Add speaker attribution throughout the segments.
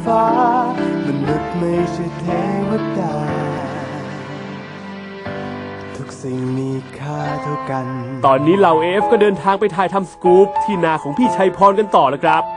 Speaker 1: ฟ้ามนุษย์ไม่ใช่เทวดาทุกสิ่งมีค่าเท่ากัน
Speaker 2: ตอนนี้เหล่าAFก็เดินทางไปถ่ายทำสกู๊ปที่นาของพี่ชัยพรกันต่อแล้วครับ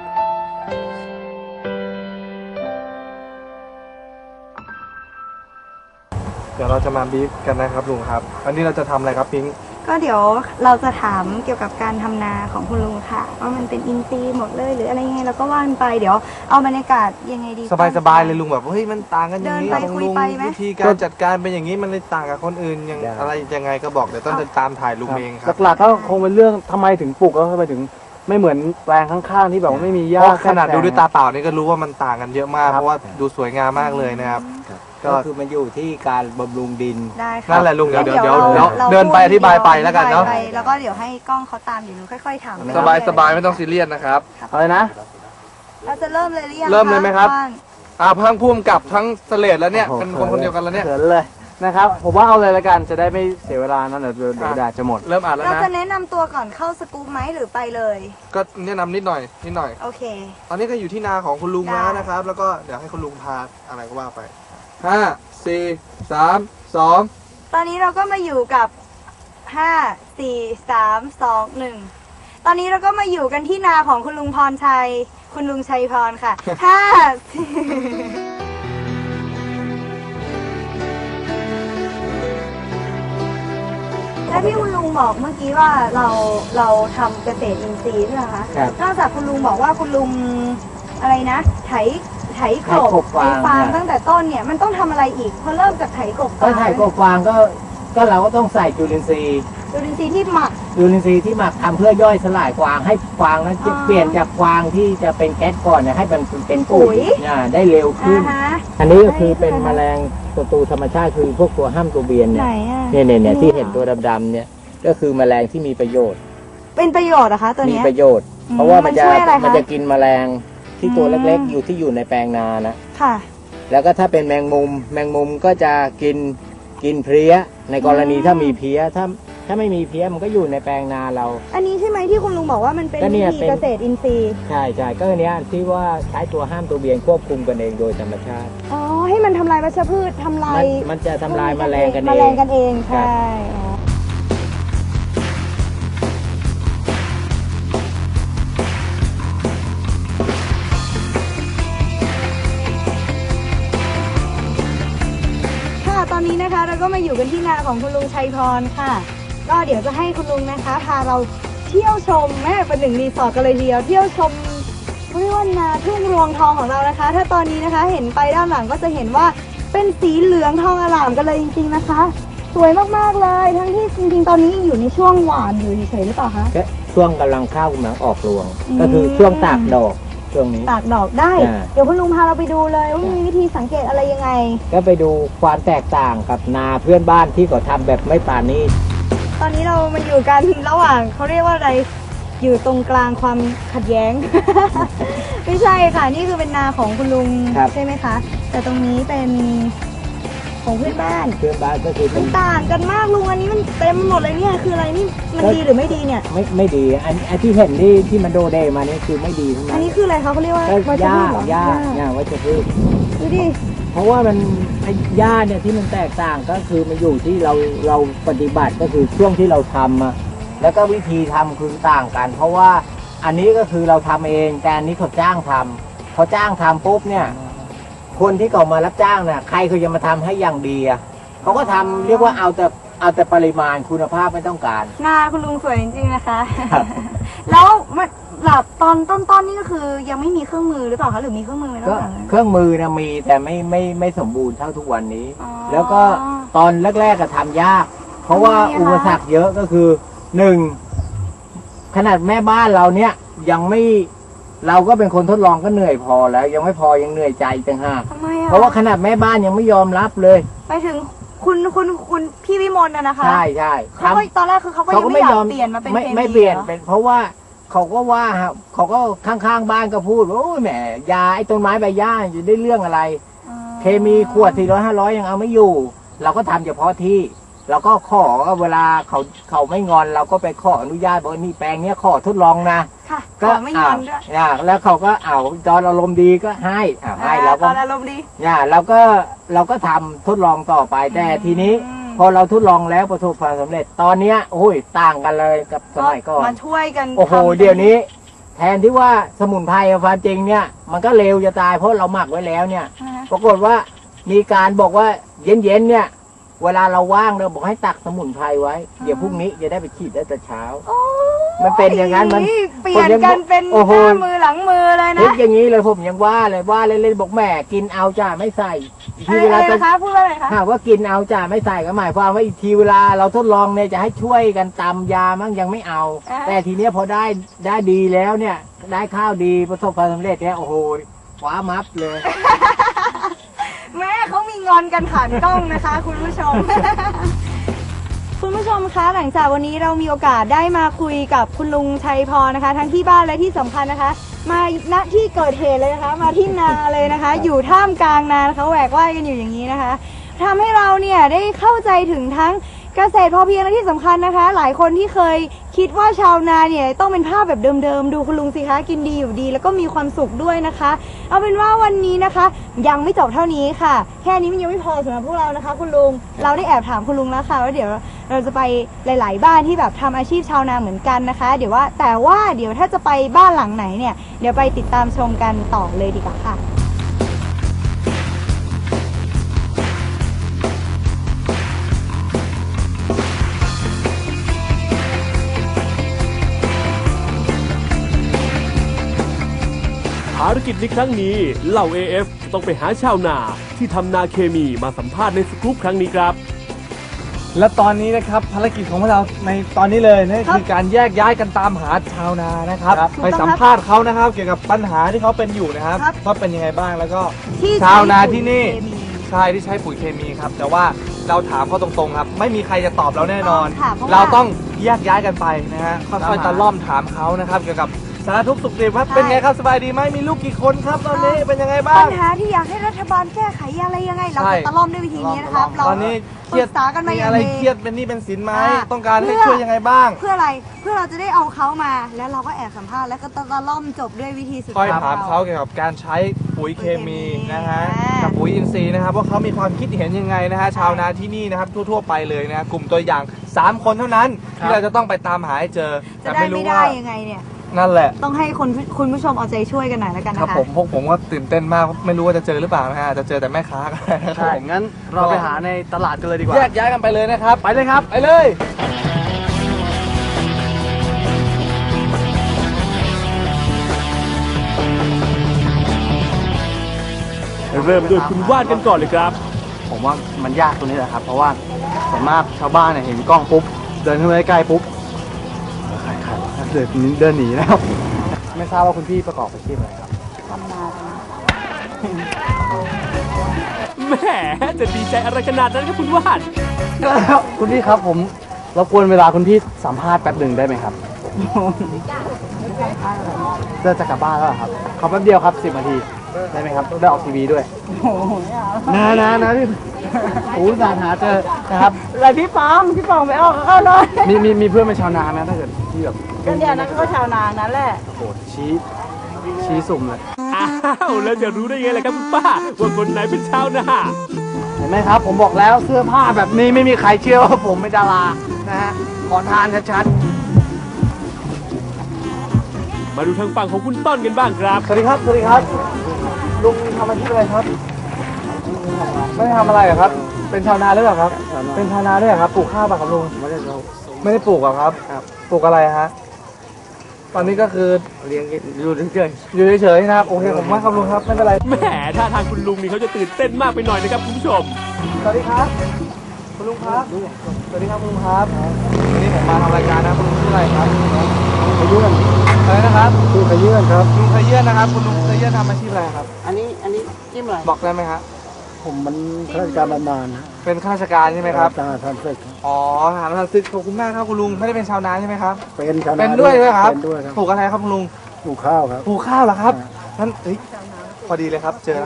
Speaker 3: เดี๋ยวเราจะมาบีฟกันนะครับลุงครับอันนี้เราจะทำอะไรครับพิงค์
Speaker 4: ก็เดี๋ยวเราจะถามเกี่ยวกับการทำนาของคุณลุงค่ะว่ามันเป็นอินทรีย์หมดเลยหรืออะไรยังไงเราก็ว่านไปเดี๋ยวเอาบรรยากาศยังไงดี
Speaker 3: สบายๆเลยลุงแบบเฮ้ยมันต่างกันอย่างนี้ลุงวิธีการจัดการเป็นอย่างนี้มันเลยต่างกับคนอื่นอย่างอะไรยังไงก็บอกเดี๋ยวต้องตามถ่ายลุงเองครับ
Speaker 5: หลักๆก็คงเป็นเรื่องทำไมถึงปลูกแล้วทำไมถึงไม่เหมือนแปลงข้างๆที่แบบว่าไม่มีหญ้า
Speaker 3: ขนาดดูด้วยตาเปล่านี่ก็รู้ว่ามันต่างกันเยอะมากเพราะว่าดูสวยงามมากเลยนะครับ
Speaker 6: ก็คือมันอยู่ที่การบำรุงดิน
Speaker 3: นั่นแหละลุงเดี๋ยวเดินไปอธิบายไปแล้วกันเนาะ
Speaker 4: แล้วก็เดี๋ยวให้กล้องเขาตามอยู่ค่อยๆถาม
Speaker 3: สบายไม่ต้องซีเรียสนะครับ
Speaker 5: อะไรนะ
Speaker 4: เราจะเริ่มเลยหรือยัง
Speaker 3: เริ่มเลยไหมครับทั้งพุ่มกับทั้งเสลดแล้วเนี่ยเป็นคนเดียวกันแล้วเนี่ย
Speaker 5: เสร็จเลยนะครับผมว่าเอาเลยละกันจะได้ไม่เสียเวลานั่นเดี๋ยวแดดจะหมด
Speaker 3: เริ่มอ่านแล้วนะ
Speaker 4: เราจะแนะนำตัวก่อนเข้าสกู๊ปไหมหรือไปเลย
Speaker 3: ก็แนะนำนิดหน่อย
Speaker 4: โอเค
Speaker 3: ตอนนี้ก็อยู่ที่นาของคุณลุงแล้วนะครับแล้วก็เดี๋ยวให้คุณลุงพาอะไรก็ว่าไป5 4 3 2
Speaker 4: ตอนนี้เราก็มาอยู่กับ5 4 3 2 1ตอนนี้เราก็มาอยู่กันที่นาของคุณลุงพรชัยคุณลุงชัยพรค่ะและที่คุณลุงบอกเมื่อกี้ว่าเราทำเกษตรอินทรีย์ใช่ไหมคะนอกจากคุณลุงบอกว่าคุณลุงอะไรนะไถกบฟางตั้งแต่ต้นเนี่ยมันต้องทำอะไรอีกพอเริ่มจากไถกบฟาง
Speaker 6: ก็ไถกบฟางก็เราก็ต้องใส่จุลินทรีย์
Speaker 4: ที่หมัก
Speaker 6: ทำเพื่อย่อยสลายฟางให้ฟางนั้นเปลี่ยนจากฟางที่จะเป็นแก๊สก่อนเนี่ยให้มันเป็นปุ๋ยได้เร็วขึ้นอันนี้ก็คือเป็นแมลงศัตรูธรรมชาติคือพวกตัวห้ามตัวเบียนเนี่ยที่เห็นตัวดำๆเนี่ยก็คือแมลงที่มีประโยชน์
Speaker 4: เป็นประโยชน์นะคะตัวนี้
Speaker 6: มีประโยชน์เพราะว่ามันจะกินแมลงที่ตัวเล็กๆอยู่ในแปลงนานะค่ะแล้วก็ถ้าเป็นแมงมุมก็จะกินเพลี้ยในกรณีถ้ามีเพลี้ยถ้าไม่มีเพลี้ยมันก็อยู่ในแปลงนาเรา
Speaker 4: อันนี้ใช่ไหมที่คุณลุงบอกว่ามันเป็นวิธีเกษตรอินทรีย์
Speaker 6: ใช่ก็อันนี้ที่ว่าใช้ตัวห้ามตัวเบียนควบคุมกันเองโดยธรรมชาติ
Speaker 4: ให้มันทำลายวัชพืชทำลาย
Speaker 6: มันจะทำลายแมลงกัน
Speaker 4: เองใช่ตอนนี้นะคะเราก็มาอยู่กันที่นาของคุณลุงชัยพรค่ะก็เดี๋ยวจะให้คุณลุงนะคะพาเราเที่ยวชมเป็นหนึ่งรีสอร์ทกันเลยทีเดียวเที่ยวชมเรียกว่านาทุ่งรวงทองของเรานะคะถ้าตอนนี้นะคะเห็นไปด้านหลังก็จะเห็นว่าเป็นสีเหลืองทองอร่ามกันเลยจริงๆนะคะสวยมากๆเลยทั้งที่จริงๆตอนนี้อยู่ในช่วงหวานอยู่เฉยๆหรือเปล่าคะ
Speaker 6: ช่วงกำลังข้าวกำลังออกรวงก็คือช่วงตากดอกช่วงนี้
Speaker 4: ตากดอกได้เดี๋ยวคุณลุงพาเราไปดูเลยว่ามีวิธีสังเกตอะไรยังไง
Speaker 6: ก็ไปดูความแตกต่างกับนาเพื่อนบ้านที่เขาทำแบบไม่ปราณีต
Speaker 4: ตอนนี้เรามาอยู่กันระหว่างเขาเรียกว่าอะไรอยู่ตรงกลางความขัดแย้ง ไม่ใช่ค่ะนี่คือเป็นนาของคุณลุงใช่ไหมคะแต่ตรงนี้เป็นของเพื่อนบ้าน
Speaker 6: ก็คือ
Speaker 4: มันต่างกันมากลุงอันนี้มันเต็มหมดเลยเนี่ยคืออะไรนี่มันดีหรือไม่ดีเนี่ย
Speaker 6: ไม่ดีอันที่เห็นที่มันโดเดมานี่คือไม่ดีทั้งนั้น
Speaker 4: อันนี้คืออะไรเขาเรียกว่า
Speaker 6: หญ้าวัชพืช
Speaker 4: ดูดิ
Speaker 6: เพราะว่ามันหญ้าเนี่ยที่มันแตกต่างก็คือมันอยู่ที่เราปฏิบัติก็คือช่วงที่เราทำแล้วก็วิธีทำคือต่างกันเพราะว่าอันนี้ก็คือเราทำเองแต่อันนี้เขาจ้างทำปุ๊บเนี่ยคนที่เขามารับจ้างเนี่ยใครเขาจะมาทำให้อย่างดีเขาก็ทำเรียกว่าเอาแต่ปริมาณคุณภาพไม่ต้องการ
Speaker 4: นาคุณลุงสวยจริงๆนะคะ แล้วหลับตอนต้นนี่ก็คือยังไม่มีเครื่องมือหรือเปล่าคะหรือมีเครื่องมือไหมก็
Speaker 6: เครื่องมือนะมีแต่ไม่สมบูรณ์เท่าทุกวันนี้แล้วก็ตอนแรกๆก็ทำยากเพราะว่าอุปสรรคเยอะก็คือ1ขนาดแม่บ้านเราเนี่ยยังไม่เราก็เป็นคนทดลองก็เหนื่อยพอแล้วยังไม่พอยังเหนื่อยใจต่างหากเพราะว่าขนาดแม่บ้านยังไม่ยอมรับเลย
Speaker 4: ไปถึงคุณพี่วิมลนะคะ
Speaker 6: ใช่
Speaker 4: เขาตอนแรกคือเขาก็ไม่ยอมเปลี่ยนมาเป็น
Speaker 6: ไม่เปลี่ยนเป็นเพราะว่าเขาก็ว่าเขาก็ข้างๆบ้านก็พูดโอ้ยแหมยาไอ้ต้นไม้ใบหญ้าจะได้เรื่องอะไรเคมีขวด400-500ยังเอาไม่อยู่เราก็ทำเฉพาะที่เราก็ขอเวลาเขาไม่งอนเราก็ไปขออนุญาตบอกนี่แปลงเนี้ยขอทดลองนะ
Speaker 4: ค่ะ
Speaker 6: ก็
Speaker 4: ขอไม่งอนด้วย
Speaker 6: แล้วเขาก็ตอนอารมณ์ดีก็ให้ให้เรา
Speaker 4: ต
Speaker 6: ก็
Speaker 4: อนอารมณ์ดี
Speaker 6: เราก็ทำทดลองต่อไปแต่ทีนี้ พอเราทดลองแล้วประสบความสำเร็จตอนเนี้ยโอ้ยต่างกันเลยกับสมัยก่อน
Speaker 4: มาช่วยกัน
Speaker 6: โอ้โห
Speaker 4: ทำ
Speaker 6: เดี๋ยวนี้ แทนที่ว่าสมุนไพรความจริงเนี่ยมันก็เร็วจะตายเพราะเราหมักไว้แล้วเนี่ย ปรากฏว่ามีการบอกว่าเย็นๆเนี่ยเวลาเราว่างเราบอกให้ตักสมุนไพรไว้ เดี๋ยวพรุ่งนี้จะได้ไปฉีดได้แต่เช้า
Speaker 4: โอ้ย
Speaker 6: มันเป็นอย่างนั้นมัน
Speaker 4: เปลี่ยนกันเป็นห
Speaker 6: โอ้โห
Speaker 4: น้ามือหลังมือเลย
Speaker 6: คิ
Speaker 4: นะ
Speaker 6: ดอย่างนี้เลยผมยังว่าเล่นๆบอกแม่กินเอาจ้าไม่ใส่อีกทีเวลา
Speaker 4: อะไร
Speaker 6: จะ
Speaker 4: นะคะพูดว่าอะไรคะ
Speaker 6: หากว่ากินเอาจ้าไม่ใส่ก็หมายความว่าอีกทีเวลาเราทดลองเนี่ยจะให้ช่วยกันตำยามั่งยังไม่เอา แต่ทีเนี้ยพอได้ดีแล้วเนี่ยได้ข้าวดีประสบความสำเร็จเนี่ยโอ้โหคว้ามัฟเลย
Speaker 4: แม่เขามีงอนกันผ่านกล้องนะคะ คุณผู้ชม คุณผู้ชมคะหลังจากวันนี้เรามีโอกาสได้มาคุยกับคุณลุงชัยพรนะคะ ทั้งที่บ้านและที่สำคัญนะคะ มาณที่เกิดเหตุเลยนะคะ มาที่นาเลยนะคะ อยู่ท่ามกลางนานะคะแหวกว่ายกันอยู่อย่างนี้นะคะทำให้เราเนี่ยได้เข้าใจถึงทั้งเกษตรพอเพียงและที่สำคัญนะคะ หลายคนที่เคยคิดว่าชาวนาเนี่ยต้องเป็นภาพแบบเดิมๆดูคุณลุงสิคะกินดีอยู่ดี แล้วก็มีความสุขด้วยนะคะ เอาเป็นว่าวันนี้นะคะ ยังไม่จบเท่านี้ค่ะ แค่นี้มันยังไม่พอสำหรับพวกเรานะคะ คุณลุงเราได้แอบถามคุณลุงแล้วค่ะว่าเดี๋ยวเราจะไปหลายๆบ้านที่แบบทำอาชีพชาวนาเหมือนกันนะคะ เดี๋ยวถ้าจะไปบ้านหลังไหนเนี่ยเดี๋ยวไปติดตามชมกันต่อเลยดีกว่าค่ะ
Speaker 2: ภารกิจในครั้งนี้เหล่า AF ต้องไปหาชาวนาที่ทำนาเคมีมาสัมภาษณ์ในสกู๊ปครั้งนี้ครับ
Speaker 3: และตอนนี้นะครับภารกิจของพวกเราในตอนนี้เลยนั่นคือการแยกย้ายกันตามหาชาวนานะครับ ไปสัมภาษณ์เขานะครับ เกี่ยวกับปัญหาที่เขาเป็นอยู่นะครับว่าเป็นยังไงบ้างแล้วก็
Speaker 4: ที่
Speaker 3: ชาวนาที่นี่
Speaker 4: ใช้ปุ๋ยเคมี
Speaker 3: ใช่ที่ใช้ปุ๋ยเคมีครับแต่ว่าเราถามเขาตรงๆครับ ไม่มีใครจะตอบเราแน่นอน
Speaker 4: ค่ะเพราะว่า
Speaker 3: เราต้องแยกย้ายกันไปนะฮะค่อยๆตะล่อมถามเขานะครับ เกี่ยวกับสารทุกข์สุขดิบครับเป็นไงครับสบายดีไหมมีลูกกี่คนครับตอนนี้เป็นยังไงบ้า
Speaker 4: ปั
Speaker 3: ง
Speaker 4: ญหาที่อยากให้รัฐบาลแก้ไขอะไรยังไง เรา
Speaker 3: ใช่
Speaker 4: จะตะล่อมด้วยวิธีนี้นะครับเรา
Speaker 3: ตอนนี้เค
Speaker 4: ป
Speaker 3: รี
Speaker 4: รึ
Speaker 3: ยด
Speaker 4: กษากันมา
Speaker 3: มี
Speaker 4: อย่าง
Speaker 3: อะไร
Speaker 4: ดี
Speaker 3: เครียดเป็นหนี้เป็นสินไหม
Speaker 4: อ่า
Speaker 3: ต้องการให้
Speaker 4: เพื่อ
Speaker 3: ช่วยยังไงบ้าง
Speaker 4: เพื่ออะไรเพื่อเราจะได้เอาเขามา แล้วเราก็แอบสัมภาษณ์แล้วก็ตะล่อมจบด้วยวิธีสุด
Speaker 3: ค่อย
Speaker 4: ท้าย
Speaker 3: ถามเขาเกี่ยวกับการใช้ปุ๋ยเคมีนะฮะ
Speaker 4: อ่ากั
Speaker 3: กับปุ๋ยอินทรีย์นะครับว่าเขามีความคิดเห็นยังไงนะฮะชาวนาที่นี่นะครับทั่วๆไปเลยนะฮะกลุ่มตัวอย่าง 3 คนเท่านั้นที่เราจะต้องไปตามหาให้เจอ
Speaker 4: จะ
Speaker 3: แต่
Speaker 4: ได้
Speaker 3: ไม่รู้
Speaker 4: ไม่ได้
Speaker 3: ว่า
Speaker 4: ยังไงเนี่ย
Speaker 3: นั่นแหละ
Speaker 4: ต้องให้คุณผู้ชมเอาใจช่วยกันหน่อยแล้วกัน
Speaker 3: ครับ
Speaker 4: นะคะ
Speaker 3: พวกผมก็ตื่นเต้นมากไม่รู้ว่าจะเจอหรือเปล่านะฮะจะเจอแต่แม่ค้าก็ได้นะครับ
Speaker 5: ใช่ งั้นเราไปหาในตลาดกันเลยดีกว่า
Speaker 3: แยกย้ายกันไปเลยนะครับ
Speaker 5: ไปเลยครับ
Speaker 3: ไปเลย
Speaker 2: เริ่มด้วยคุณว่านกันก่อนเลยครับ
Speaker 5: ผมว่ามันยากตรงนี้แหละครับ เพราะว่าส่วนมากชาวบ้านเนี่ยเห็นกล้องปุ๊บ เดินเข้าไปใกล้ปุ๊บใครเดินหนีแล้ว ไม่ทราบว่าคุณพี่ประกอบอาชีพอะไรครับ
Speaker 2: แหมจะดีใจอะไรขนาดนั้นครับคุณว่าน
Speaker 5: คุณพี่ครับผมรบกวนเวลาคุณพี่สัมภาษณ์แป๊บหนึ่งได้ไหมครับเดินจะกลับบ้านแล้วเหรอครับขอแป๊บเดียวครับ10 นาทีได้ไหมครับได้ออกทีวีด้วยนะพี่โอ้สารหาเจอนะครับ
Speaker 4: อะไรพี่ปองไปออกเขาเลย
Speaker 5: มีเพื่อนเป็นชาวนาไหมถ้าเกิดที่แบบ
Speaker 4: กันเดียวนั้นก็ชาวนานั่นแหละ
Speaker 5: โอ้โหชี้สุ่มเลย
Speaker 2: อ้าวแล้วจะรู้ได้ไงล่ะครับคุณป้าว่าคนไหนเป็นชาวนา
Speaker 5: เห็นไหมครับ ผมบอกแล้วเสื้อผ้าแบบนี้ไม่มีใครเชื่อว่าผมเป็นดารานะฮะขอทานชัด
Speaker 2: มาดูทางฝั่งของคุณต้นกันบ้างครับ
Speaker 5: ๆสวัสดีครับสวัสดีครับลุงทำอาชีพอะไรครับไม่ได้ทำอะไรเหรอครับ เป็นชาวนาหรือเปล่าครับ เป็นชาวนาด้วยเหรอครับปลูกข้าวป่ะครับลุงไม่ได้ปลูกหรอครับปลูกอะไรฮะตอนนี้ก็คือเลี้ยงอยู่เฉยๆนะครับโอเคผมว่าครับลุงครับไม่เป็นไร
Speaker 2: แหมท่าทางคุณลุงนี่เขาจะตื่นเต้นมากไปหน่อยนะครับคุณผู้ชม
Speaker 5: สวัสดีครับคุณลุงครับสวัสดีครับคุณลุงครับ
Speaker 3: วันนี้ผมมาทำรายการนะคุณลุงชื่ออะไรครับ
Speaker 5: ขยื่น
Speaker 3: อะไรนะครับ
Speaker 5: คือขยื่นครับ
Speaker 3: ลุงเคยเยื่อนนะครับคุณลุงเคยเยื่อนทำอาชีพอะไรครับ
Speaker 7: อันนี้จิ้มอะไร
Speaker 3: บอกได้ไหมครับ
Speaker 5: ผมมันข้าราชการบำนาญนะ
Speaker 3: เป็นข้าราชการใช่ไหมครับ
Speaker 5: ทหารทันศึก
Speaker 3: อ๋อทหารทันศึกขอบคุณมากครับคุณลุงไม่ได้เป็นชาวนาใช่ไหมครับ
Speaker 5: เป็นชาวนา
Speaker 3: เป็นด้วยไหมครับ
Speaker 5: เป็นด้วยครับ
Speaker 3: ปลูกอะไรครับคุณลุง
Speaker 5: ปลูกข้าวครับ
Speaker 3: ปลูกข้าวเหรอครับท่านเฮ้ยพอดีเลยครับเจอแล้วครับ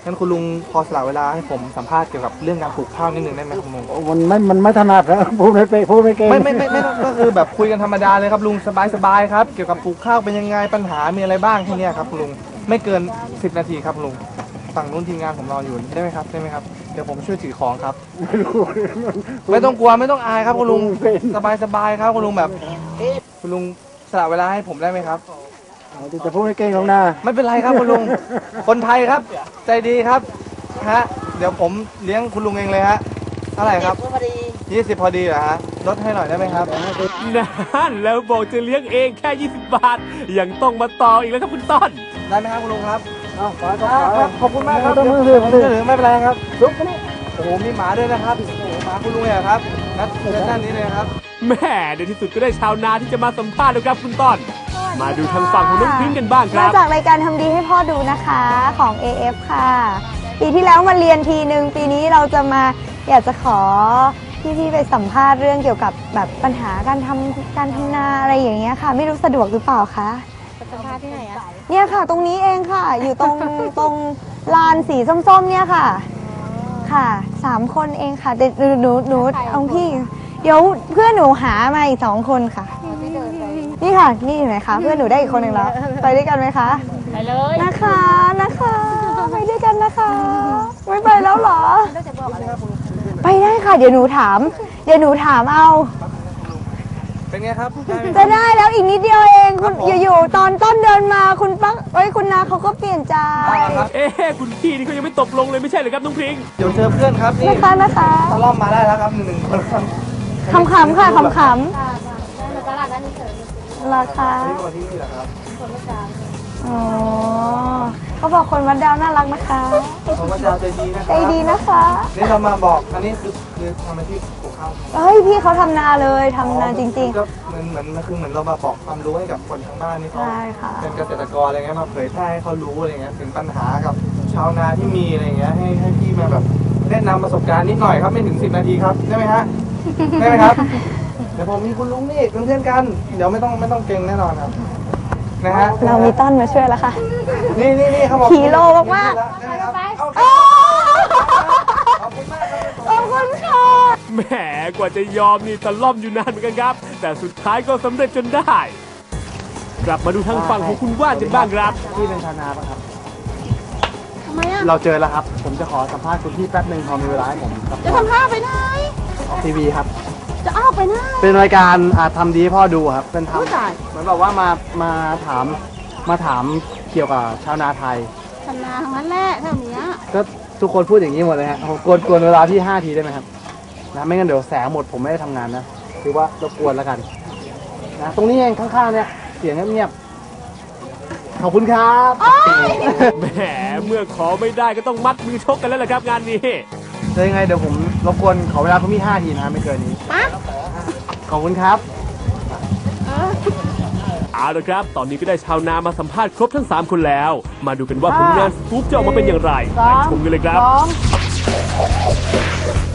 Speaker 5: งั้นคุณลุงพอสละเวลาให้ผมสัมภาษณ์เกี่ยวกับเรื่องการปลูกข้าวนิดนึงได้ไหมครับคุณลุง
Speaker 7: มันไม่ถนัดนะพูดไม่เก่ง
Speaker 5: ไม่ก็คือแบบคุยกันธรรมดาเลยครับลุงสบายๆครับเกี่ยวกับปลูกข้าวเป็นยังไงปัญหามีอะไรบ้างแค่เนี้ยครับคุณลุงไม่เกิน10 นาทีครับลุงฝั่งนู้นทีมงานผมรออยู่ได้ไหมครับเดี๋ยวผมช่วยถือของครับ ไม่ต้องกลัวไม่ต้องอายครับคุณลุงสบายครับคุณลุงแบบคุณลุงสละเวลาให้ผมได้ไหมครับ
Speaker 7: จะพูดไม่เก่งหรอกนะ
Speaker 5: ไม่เป็นไรครับคุณลุง คนไทยครับ ใจดีครับฮะเดี๋ยวผมเลี้ยงคุณลุงเองเลยฮะเท่าไหร่ครับ20พอดีเหรอฮะลดให้หน่อยได้ไหมครับ
Speaker 2: นั่นแล้วบอกจะเลี้ยงเองแค่ 20 บาท ยังต้องมาต่ออีกแล้วครับคุณต้น
Speaker 5: ได้ไหมครับคุณลุงครับ
Speaker 7: เอาไป
Speaker 5: ครับขอบคุณมากครับ
Speaker 7: ต้องมือ
Speaker 5: เดี๋
Speaker 7: ถื
Speaker 5: ยว
Speaker 7: อ
Speaker 5: ผมช่วยเหลือไม่เป็นไรครับลุกนี่โอ้โหมีหมาด้วยนะครับโอ้โหหมาคุณลุงเนี่ยครับนัดเชิญด้านนี้เลยครับ
Speaker 2: แม่ในที่สุดก็ได้ชาวนาที่จะมาสัมภาษณ์แล้วครับคุณต้น มาดูทางฝั่งของน้องพิงค์กันบ้างค
Speaker 4: มา
Speaker 2: รับ
Speaker 4: จากรายการทำดีให้พ่อดูนะคะของ AF ค่ะ ปีที่แล้วมาเรียนทีนึง ปีนี้เราจะมาอยากจะขอพี่ๆไปสัมภาษณ์เรื่องเกี่ยวกับแบบปัญหาการทำนาอะไรอย่างเงี้ยค่ะ ไม่รู้สะดวกหรือเปล่าคะสัมภาษณ์ที่ไหนอะเนี่ยค่ะ ตรงนี้เองค่ะ อยู่ตรงลานสีส้มๆเนี่ยค่ะ ค่ะ3 คนเองค่ะแต่หนูเอาพี่ เดี๋ยวเพื่อนหนูหามาอีก2 คนค่ะ นี่ค่ะ นี่เห็นไหมคะ เพื่อนหนูได้อีกคนหนึ่งแล้ว ไปด้วยกันไหมคะ ไปเลยนะคะไปด้วยกันนะคะ ไม่ไปแล้วเหรอ ไปได้ค่ะ เดี๋ยวหนูถามเอา
Speaker 5: เป็นไงครับได้ไหม
Speaker 4: จะได้แล้วอีกนิดเดียวเองคุณอยู่ๆตอนต้นเดินมาคุณปังคุณนาเขาก็เปลี่ยนใจ
Speaker 5: ครับ
Speaker 2: เอ๊ะคุณพี่นี่เขายังไม่ตกลงเลยไม่ใช่เหรอครับน้องพิงค์
Speaker 5: เดี๋ยวเจอเพื่อนครับนี่
Speaker 4: นะคะ
Speaker 5: ตะล่อมมาได้แล้วครับ1 คนครับ
Speaker 4: ขำๆค่ะขำๆราคา
Speaker 5: ที่มาที่นี่เหรอครับ
Speaker 4: อ๋อเขาบอกคนวัดดาวน่ารักนะคะ
Speaker 5: ผมว่าจะใจดีนะค
Speaker 4: ใจ
Speaker 5: รับ
Speaker 4: ดีนะคะ
Speaker 5: นี่เรามาบอกอันนี้คือทำอาชีพปลูกข้าว
Speaker 4: เฮ้ยพี่เขาทำนาเลยทำนาจริง
Speaker 5: ก็เหมือนเรามาบอกความรู้ให้กับคนทางบ้านนี่
Speaker 4: ๆ
Speaker 5: เขา
Speaker 4: ใช่ค่ะ
Speaker 5: เป็นเกษตรกรอะไรเงี้ยมาเผยแพร่ให้เขารู้อะไรเงี้ยถึงปัญหากับชาวนาที่มีอะไรเงี้ยให้พี่มาแบบแนะนำประสบการณ์นิดหน่อยครับไม่ถึง10 นาทีครับได้ไหมฮะได้ไหมครับเดี๋ยวผมมีคุณลุงนี่เป็นเพื่อนกันเดี๋ยวไม่ต้องเก่งแน่นอนครับนะฮะ
Speaker 4: เรามีต้นมาช่วยแล้วค่ะ
Speaker 5: นี่เขาบอก
Speaker 4: ฮีโร่มากๆ
Speaker 5: ได้ไหมครับเอา
Speaker 4: โอ้
Speaker 5: ขอบคุณมากครับ
Speaker 4: ขอบคุณค่ะ
Speaker 2: แหมกว่าจะยอมนี่ตะล่อมอยู่นานเหมือนกันครับ แต่สุดท้ายก็สำเร็จจนได้ กลับมาดูทางฝั่งของคุณว่านกันบ้างครับ
Speaker 7: พี่เป็นชาวนาปะครับ
Speaker 4: ทำไมอ่ะ
Speaker 7: เราเจอแล้วครับ ผมจะขอสัมภาษณ์คุณพี่แป๊บหนึ่งพอมีเวลาให้ผมครับ
Speaker 4: จะทำท่าไปไหน
Speaker 7: ออกทีวีครับ
Speaker 4: จะอ้าวไปไหน
Speaker 7: เป็นรายการทำดีให้พ่อดูครับ เป็น
Speaker 4: ผู้ชาย
Speaker 7: เหมือนแบบว่ามาถามเกี่ยวกับชาวนาไทย
Speaker 4: ทำนาทั้งนั้นแหละแถวเนี้ย
Speaker 7: ก็ทุกคนพูดอย่างนี้หมดเลยฮะผมกวนเวลาพี่5 ทีได้ไหมครับนะไม่งั้นเดี๋ยวแสงหมดผมไม่ได้ทำงานนะคือว่ารบกวนแล้วกันนะตรงนี้เองข้างๆเนี่ยเสียงเงียบๆขอบคุณครับ
Speaker 2: แหมเมื่อขอไม่ได้ก็ต้องมัดมือชกกันแล้วล่ะครับงานนี้
Speaker 7: เดี๋ยวยังไงเดี๋ยวผมรบกวนขอเวลาคุณพี่5 ทีนะไม่เกินนี้ขอบคุณครับ
Speaker 2: เอาละครับ ตอนนี้ก็ได้ชาวนามาสัมภาษณ์ครบทั้ง 3 คนแล้ว มาดูกันว่าผลงานสกู๊ปจะออกมาเป็นอย่างไรไปชมกันเลยครับ
Speaker 4: 2